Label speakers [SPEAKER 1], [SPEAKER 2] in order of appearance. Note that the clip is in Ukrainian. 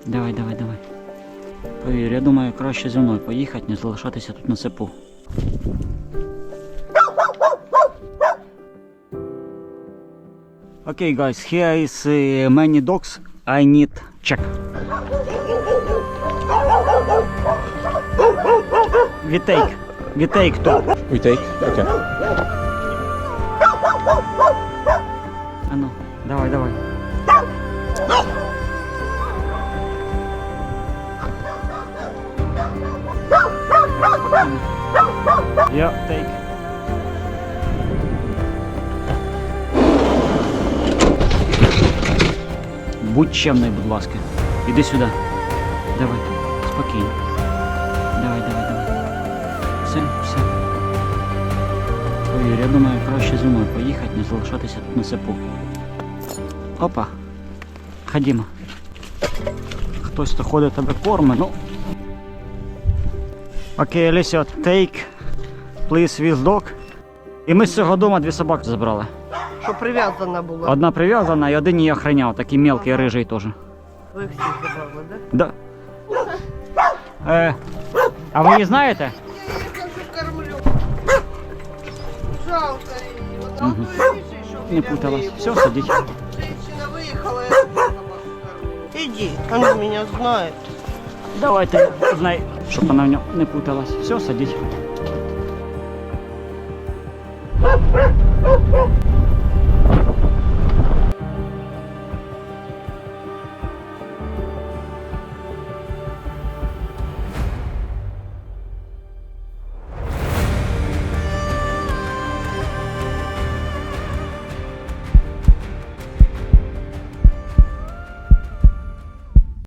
[SPEAKER 1] Давай, давай, давай. Повір, я думаю, краще зі мною поїхати, не залишатися тут на цепу. Okay guys, here is many dogs. I need check. We take two.
[SPEAKER 2] We take? Okay.
[SPEAKER 1] А ну, давай, давай. Yeah, take. Будь чемний, будь ласка. Іди сюди. Давай, спокійно. Давай, давай, давай. Все, все. Повір, я думаю, краще зі мною поїхати, не залишатися тут на цепу. Опа. Ходімо. Хтось то ходить тебе корми, ну. Окей, Алісіо, take, please, with dog. І ми з цього дому 2 собаки забрали.
[SPEAKER 3] Що прив'язана була.
[SPEAKER 1] Одна прив'язана і один її охраняв, такий мелкий, рижий теж.
[SPEAKER 3] Ви всі забрали, да?
[SPEAKER 1] Да. А ви її знаєте?
[SPEAKER 3] Я її кажу, кормлю. Жалко її. Вот
[SPEAKER 1] Мгм. Не путалась. Все, садіть.
[SPEAKER 3] Женщина виїхала, я собаку кормлю. Иди, она меня знает.
[SPEAKER 1] Давайте, знай, щоб вона в ньому не путалась. Все, садіть.